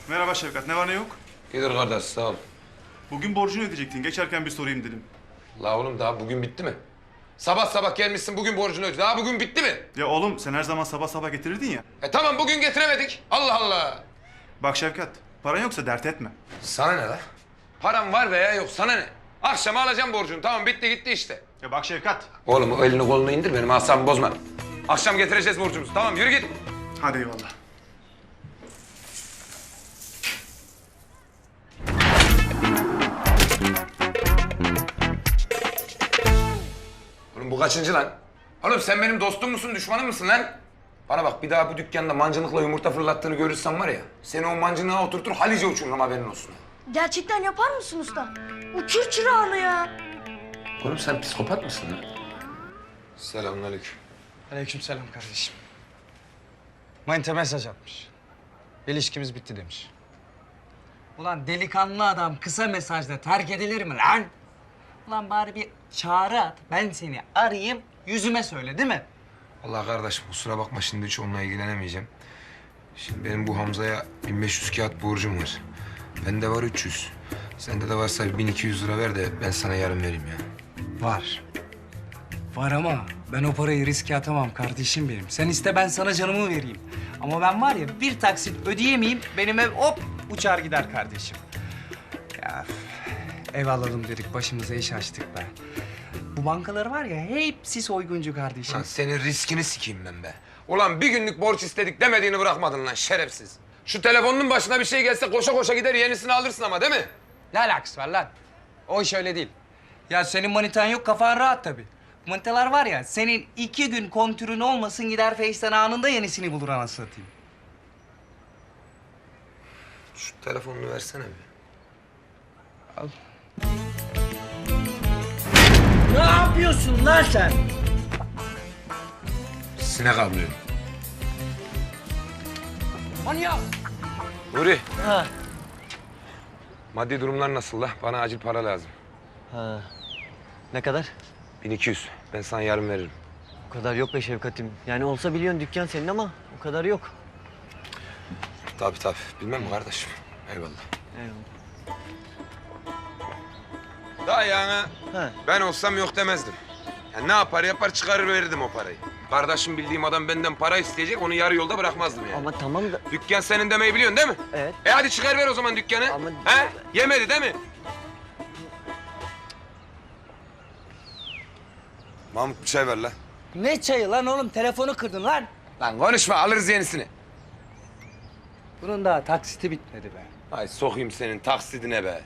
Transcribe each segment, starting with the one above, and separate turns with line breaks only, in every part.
Merhaba Şevkat, ne var ne yok?
İyidir kardeş, sağ ol.
Bugün borcunu ödeyecektin, geçerken bir sorayım dedim.
La oğlum daha bugün bitti mi? Sabah sabah gelmişsin bugün borcunu öde. Daha bugün bitti mi?
Ya oğlum sen her zaman sabah sabah getirirdin ya.
Tamam bugün getiremedik. Allah Allah.
Bak Şevkat, paran yoksa dert etme.
Sana ne la? Param var veya yok sana ne? Akşama alacağım borcunu. Tamam bitti gitti işte.
Ya bak Şevkat.
Oğlum o elini kolunu indir benim asabımı bozma. Akşam getireceğiz borcumuzu. Tamam yürü git.
Hadi eyvallah.
Oğlum bu kaçıncı lan? Oğlum sen benim dostum musun, düşmanım mısın lan? Bana bak bir daha bu dükkanda mancınıkla yumurta fırlattığını görürsem var ya... ...seni o mancınığa oturtur Halice uçururum haberin olsun.
Gerçekten yapar mısın usta? Uçur çırağını ya.
Oğlum sen psikopat mısın lan? Selamünaleyküm.
Aleykümselam kardeşim. Manita mesaj atmış. İlişkimiz bitti demiş. Ulan delikanlı adam kısa mesajla terk edilir mi lan? Ulan bari bir çağrı at. Ben seni arayayım, yüzüme söyle değil mi?
Allah kardeşim kusura bakma şimdi hiç onunla ilgilenemeyeceğim. Şimdi benim bu Hamza'ya 1500 kağıt borcum var. Bende var 300. Sende de varsa 1200 lira ver de ben sana yarın vereyim ya.
Var. Var ama ben o parayı riske atamam kardeşim benim. Sen iste ben sana canımı vereyim. Ama ben var ya bir taksit ödeyemeyeyim benim ev hop uçar gider kardeşim. Ya ev alalım dedik başımıza iş açtık be. Bu bankalar var ya hepsi soyguncu kardeşim.
Lan senin riskini sikeyim ben be. Ulan bir günlük borç istedik demediğini bırakmadın lan şerefsiz. Şu telefonun başına bir şey gelse koşa koşa gider yenisini alırsın ama değil mi?
Ne alakası var lan? O iş öyle değil. Ya senin manitan yok kafan rahat tabii. Manitalar var ya senin 2 gün kontürün olmasın gider Face'ten anında yenisini bulur anasını satayım.
Şu telefonunu versene bir.
Al.
Ne yapıyorsun lan sen?
Sinek avlıyorum.
Manyak!
Nuri,
Ha.
maddi durumlar nasıl la? Bana acil para lazım.
Ha. Ne kadar?
1200. Ben sana yarın veririm.
O kadar yok be Şevkat'im. Yani olsa biliyorsun dükkan senin ama o kadar yok.
Tabii tabii. Bilmem mi kardeşim? Eyvallah.
Eyvallah.
Daha yani
Ha.
ben olsam yok demezdim. Ya ne yapar yapar çıkarır verirdim o parayı. Kardeşim bildiğim adam benden para isteyecek onu yarı yolda bırakmazdım yani.
Ama tamam da...
Dükkan senin demeyi biliyorsun değil mi?
Evet.
Hadi çıkar ver o zaman dükkanı.
Ama-
He? Yemedi değil mi? Mahmut bir çay ver lan.
Ne çayı lan oğlum? Telefonu kırdın lan.
Lan konuşma alırız yenisini.
Bunun daha taksiti bitmedi be.
Ay sokayım senin taksidine be.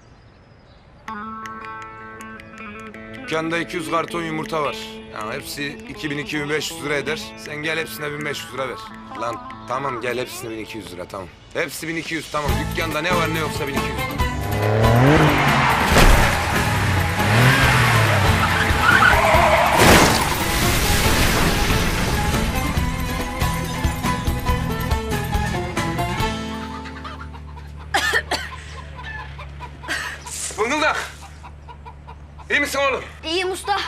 Dükkanda 200 karton yumurta var. Yani hepsi 2000-2500 lira eder. Sen gel hepsine 1500 lira ver. Lan tamam gel hepsine 1200 lira tamam. Hepsi 1200 tamam. Dükkanda ne var ne yoksa 1200 lira. Fıngıldak. İyi misin oğlum?
İyiyim usta.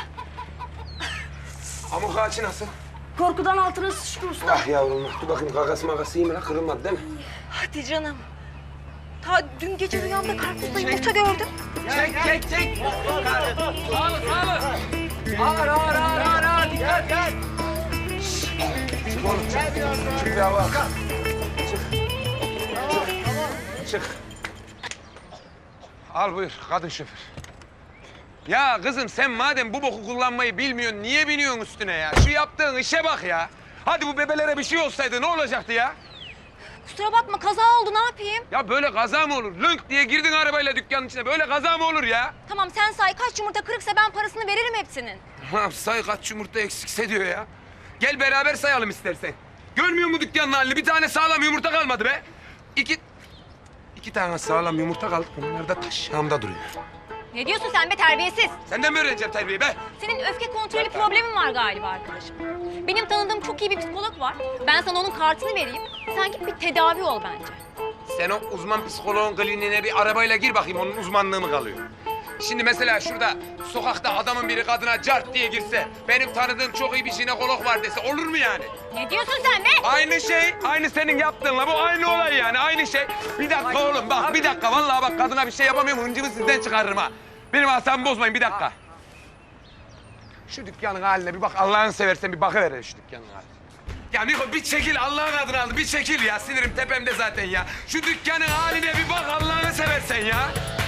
Amuk ağaçı nasıl?
Korkudan altına sıçtı usta.
Ah yavrum, dur bakayım kakası makası iyi mi lan? Kırılmadı değil mi?
Hadi canım. Ta dün gece rüyamda karpuzla yumurta gördüm.
Çek. Ağır. Dikkat.
Çık oğlum, çık. Çık bir hava al. Çık. Al buyur, kadın şoför. Ya kızım sen madem bu boku kullanmayı bilmiyorsun, niye biniyorsun üstüne ya? Şu yaptığın işe bak ya. Hadi bu bebelere bir şey olsaydı ne olacaktı ya?
Kusura bakma kaza oldu ne yapayım?
Ya böyle kaza mı olur? Lönk diye girdin arabayla dükkanın içine. Böyle kaza mı olur ya?
Tamam sen say kaç yumurta kırıksa ben parasını veririm hepsinin.
Ha, say kaç yumurta eksikse diyor ya. Gel beraber sayalım istersen. Görmüyor musun dükkanın halini? Bir tane sağlam yumurta kalmadı be. İki tane sağlam yumurta kaldı. Onlar da taşağımda duruyor.
Ne diyorsun sen be terbiyesiz?
Senden mi öğreneceğim terbiyeyi be?
Senin öfke kontrolü problemin var galiba arkadaşım. Benim tanıdığım çok iyi bir psikolog var. Ben sana onun kartını vereyim. Sen git bir tedavi ol bence.
Sen o uzman psikoloğun kliniğine bir arabayla gir bakayım. Onun uzmanlığı mı kalıyor? Şimdi mesela şurada sokakta adamın biri kadına cart diye girse, benim tanıdığım çok iyi bir jinekolog var dese olur mu yani?
Ne diyorsun sen be?
Aynı şey, aynı senin yaptığınla bu aynı olay yani, aynı şey. Bir dakika oğlum bak, bir dakika. Vallahi bak kadına bir şey yapamıyorum, hıncımı sizden çıkarırım ha. Benim asabımı bozmayın, bir dakika. Şu dükkanın haline bir bak, Allah'ını seversen bir bakıver şu dükkanın haline. Ya Niko bir çekil Allah'ın adını aldı, bir çekil ya. Sinirim tepemde zaten ya. Şu dükkanın haline bir bak Allah'ını seversen ya.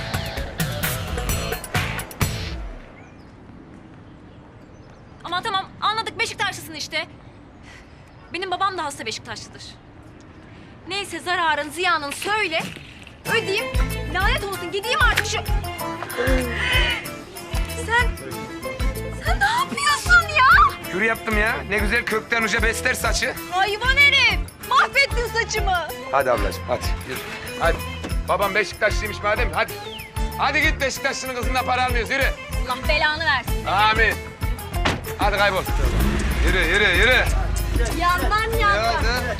Ama tamam anladık Beşiktaşlısın işte. Benim babam da hasta Beşiktaşlıdır. Neyse zararın ziyanın söyle. Ödeyeyim. Lanet olsun gideyim artık şu... Sen ne yapıyorsun ya?
Kür yaptım ya. Ne güzel kökten uca besler saçı.
Hayvan herif. Mahvettin saçımı.
Hadi ablacığım hadi yürü. Hadi. Babam Beşiktaşlıymış madem hadi. Hadi git Beşiktaşlı'nın kızından para almıyoruz yürü.
Allah belanı versin.
Amin. Hadi kaybol. Yürü yürü yürü.
Yandan.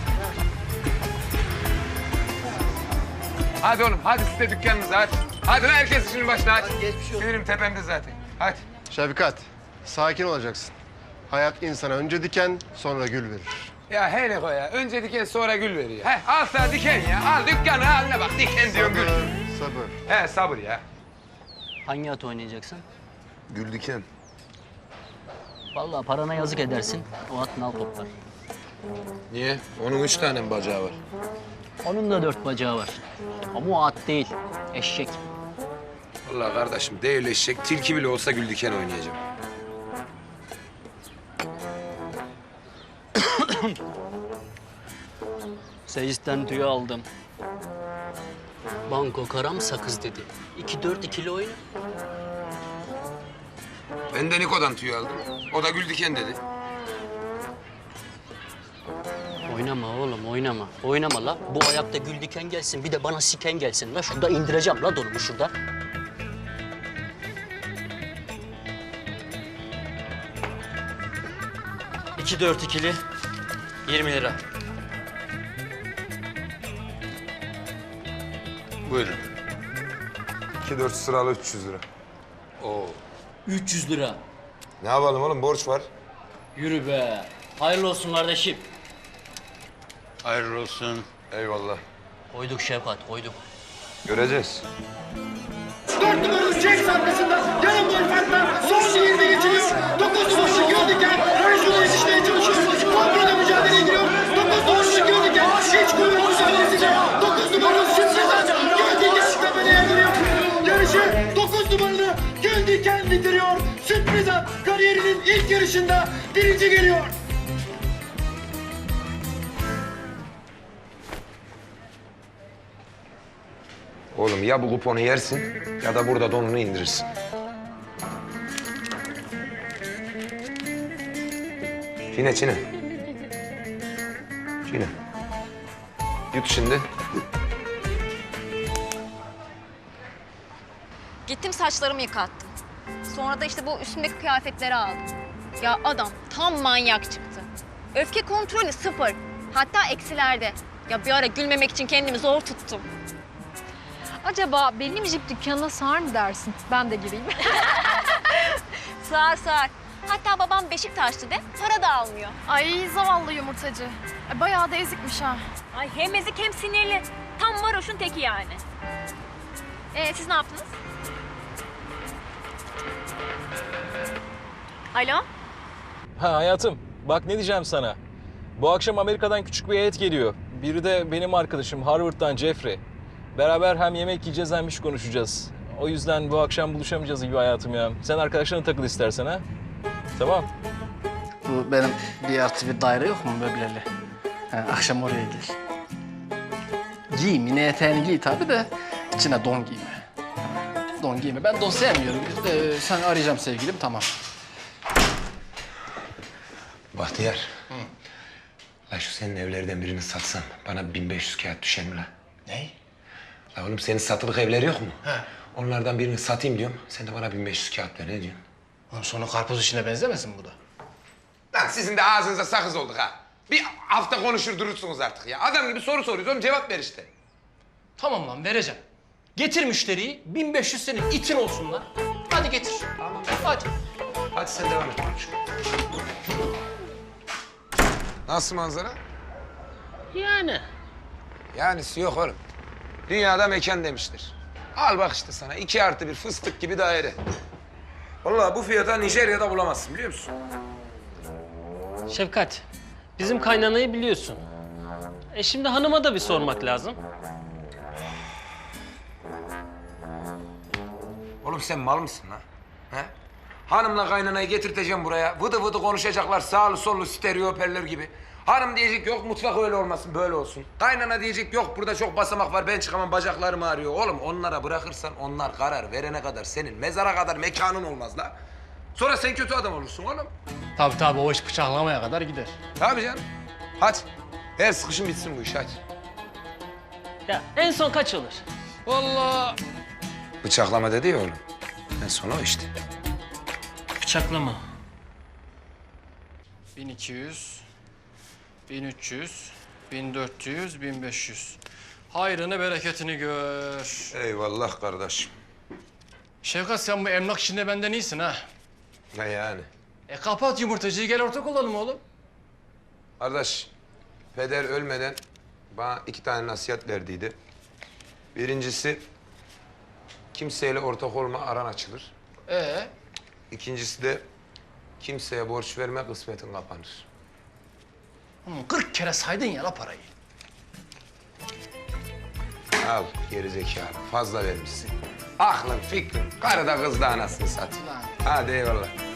Hadi oğlum hadi siz de dükkanınıza hadi. Hadi lan herkes işinin başına hadi. Sinirim tepemde zaten. Hadi.
Şefkat, sakin olacaksın. Hayat insana önce diken, sonra gül verir.
Ya hele koy ya. Önce diken sonra gül veriyor. He al sana diken ya. Al dükkanı haline bak. Diken diyor gül.
Sabır.
He sabır ya.
Hangi at oynayacaksın?
Gül diken.
Vallahi parana yazık edersin. O at nal toplar.
Niye? Onun 3 tane mi bacağı var?
Onun da 4 bacağı var. Ama o at değil, eşek.
Vallahi kardeşim değil eşek. Tilki bile olsa gül diken oynayacağım.
Seyis'ten tüy aldım. Banko karam sakız dedi. 2-4 ikili oyna.
Ben de Niko'dan tüy aldım. O da gül diken dedi.
Oynama oğlum oynama. Oynama la. Bu ayakta gül diken gelsin bir de bana siken gelsin la. Şurada indireceğim la donumu şurada. İki dört ikili 20 lira.
Buyurun. 2-4 sıralı 300 lira. Oo.
300 lira.
Ne yapalım oğlum borç var.
Yürü be. Hayırlı olsun kardeşim.
Hayırlı olsun. Eyvallah.
Koyduk Şevkat koyduk.
Göreceğiz.
4 numaralı Jax arkasında yarım gol farkla son 20 geçiliyor. 9 numaralı Göldiken Rajun'a yetişmeye çalışıyor. Kontrada mücadeleye giriyor. 9 numaralı Göldiken hiç kuvvet mücadelesiyle 9 numaralı Şimşek'ten Göldiken çıkmamaya yardırıyor. Yarışı 9 numaralı Göldiken bitiriyor. Sürpriz at kariyerinin ilk yarışında birinci geliyor.
Oğlum ya bu kuponu yersin ya da burada donunu indirirsin. Çiğne çiğne. Çiğne. Yut şimdi.
Gittim saçlarımı yıkattım. Sonra da işte bu üstümdeki kıyafetleri aldım. Ya adam tam manyak çıktı. Öfke kontrolü 0. Hatta eksilerde. Ya bir ara gülmemek için kendimi zor tuttum.
Acaba benim jip dükkanına sığar mı dersin? Ben de gireyim.
Sığar sığar. Hatta babam Beşiktaşlı de para da almıyor.
Ay zavallı yumurtacı. Bayağı da ezikmiş ha.
Ay hem ezik hem sinirli. Tam varoşun teki yani. Siz ne yaptınız? Alo?
Ha hayatım, bak ne diyeceğim sana. Bu akşam Amerika'dan küçük bir heyet geliyor. Biri de benim arkadaşım Harvard'dan Jeffrey. Beraber hem yemek yiyeceğiz hem iş konuşacağız. O yüzden bu akşam buluşamayacağız gibi hayatım ya. Sen arkadaşlarına takıl istersen ha. Tamam.
Bu benim 1+1 daire yok mu möbleli? Ha, akşam oraya gel. Giy, mini eteğini giy tabii de içine don giyme. Don giyme. Ben don sevmiyorum. Sen arayacağım sevgilim, tamam.
Bahtiyar. La şu senin evlerden birini satsan bana 1500 kağıt düşer mi la?
Ne?
La oğlum senin satılık evler yok mu? He. Onlardan birini satayım diyorum. Sen de bana 1500 kağıt ver. Ne diyorsun?
Oğlum sonu karpuz işine benzemesin bu da.
Lan sizin de ağzınıza sakız olduk ha. Bir hafta konuşur durursunuz artık ya. Adam gibi soru soruyoruz oğlum cevap ver işte.
Tamam lan, vereceğim. Getir müşteriyi. 1500 senin itin olsun lan. Hadi getir.
Tamam.
Hadi.
Hadi sen devam et. Nasıl manzara?
Yani.
Yanisi yok oğlum. Dünyada mekan demiştir. Al bak işte sana 2+1 fıstık gibi daire. Vallahi bu fiyata Nijerya'da bulamazsın biliyor musun?
Şefkat, bizim kaynanayı biliyorsun. Şimdi hanıma da bir sormak lazım.
Oğlum sen mal mısın lan? He? Hanımla kaynanayı getirteceğim buraya. Vıdı vıdı konuşacaklar sağlı sollu stereo hoparlör gibi. Hanım diyecek yok mutfak öyle olmasın böyle olsun. Kaynana diyecek yok burada çok basamak var ben çıkamam bacaklarım ağrıyor. Oğlum onlara bırakırsan onlar karar verene kadar senin mezara kadar mekanın olmaz la. Sonra sen kötü adam olursun oğlum.
Tabii o iş bıçaklamaya kadar gider.
Tabii canım. Hadi. Her sıkışın bitsin bu iş hadi.
Ya en son kaç olur?
Vallahi
Bıçaklama dedi ya oğlum. En son o işte.
Bıçaklama.
1200, 1300, 1400, 1500. Hayrını bereketini gör.
Eyvallah kardeşim.
Şevkat sen bu emlak işinde benden iyisin ha.
Ne yani?
Kapat yumurtacıyı gel ortak olalım oğlum.
Kardeş, peder ölmeden bana 2 tane nasihat verdiydi. Birincisi, kimseyle ortak olma aran açılır. İkincisi de kimseye borç verme kısmetin kapanır.
40 kere saydın ya la parayı.
Al gerizekalı, fazla vermişsin. Aklın, fikrin, karı da kız da anasını satayım. Hadi eyvallah.